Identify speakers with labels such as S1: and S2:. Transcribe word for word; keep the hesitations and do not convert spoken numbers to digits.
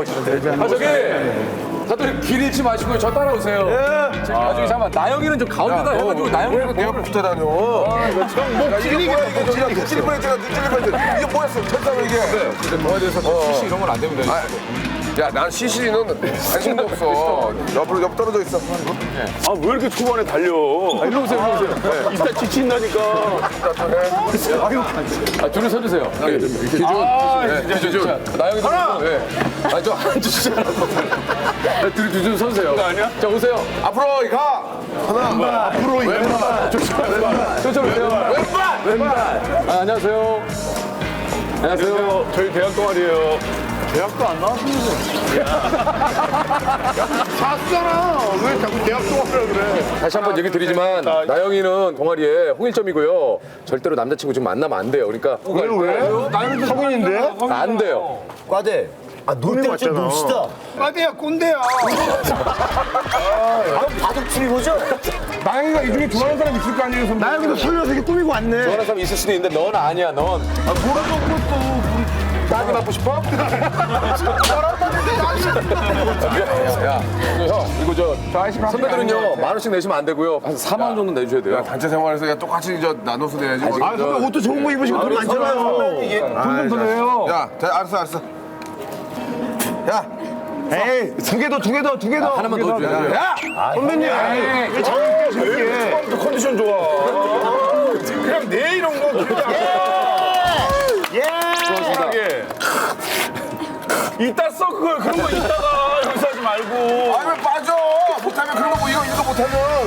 S1: 아 저기 다들 길 잃지 마시고요. 저 따라오세요. 예. 나중에 잠깐 나영이는 좀 가운데다 해가지고 나영이는
S2: 내 앞에 붙어 다녀. 야, 이게 뭐야? 이거 찔려, 찔릴 뻔했잖아. 찔릴 뻔했잖아. 이게 뭐였어? 철사로 이게.
S1: 뭐에 대해서 시시 이런 건 안 됩니다.
S2: 야, 난 시시는 관심도 없어. 옆으로 옆 떨어져 있어.
S3: 아 왜 이렇게 초반에 달려?
S1: 일로 오세요, 일로 오세요.
S3: 이따 지친다니까.
S1: 아, 줄을 서주세요. 네, 기준. 네, 기준. 나영이도. 하나. 네. 아, 저 앉으시잖아. 둘이 기준 서주세요.
S3: 그거 아니야?
S1: 자, 오세요.
S2: 앞으로 가. 하나.
S3: 앞으로 왼발.
S1: 저쪽으로 오세요. 왼발! 왼발! 아, 안녕하세요. 안녕하세요.
S3: 저희 대학 동아리예요. 대학도 안 나왔으면서. 샀잖아. 왜 자꾸 대학 동아리라 그래?
S1: 다시 한 번 얘기 드리지만 나영이는 동아리에 홍일점이고요. 절대로 남자친구 지금 만나면 안 돼요. 그러니까
S3: 왜? 나는 성인인데?
S1: 안 돼요.
S4: 과대. 아, 놀 때가 좀 놉시다.
S3: 빠대야 꼰대야.
S4: 바둑 추리고죠?
S3: 나영이가 이 중에 좋아하는 사람 있을 거 아니에요, 선배? 나영이도 설레서 이렇게 꾸미고 왔네.
S1: 좋아하는 사람 있을 수도 있는데 넌 아니야, 넌.
S3: 아, 뭐라고 그것도.
S1: 따기 맞고 싶어? 야, 형, 이거 저 선배들은요 만 원씩 내시면 안 되고요. 한 사만 원 정도 내주셔야 돼요.
S2: 단체 생활에서 그냥 똑같이 저 나눠서 내야지. 뭐.
S3: 아, 선배 옷도 좋은 거 입으시고 돈 많잖아요. 돈좀 더 내요.
S2: 야, 자, 알았어, 알았어. 야,
S3: 에이, 두 개 더, 두 개 더, 두 개 더.
S1: 하나만 더 줘야 돼요.
S3: 야! 선배님, 왜 자꾸 이렇게 저렇게. 컨디션 좋아. 그냥 내 이런 거.
S1: 고맙습니다.
S3: 예. 이따 써, 그걸. 그런 거 이따가 여기서 하지 말고.
S2: 아니면 빠져. 못하면 그런 거 뭐 이거 이거 못하면.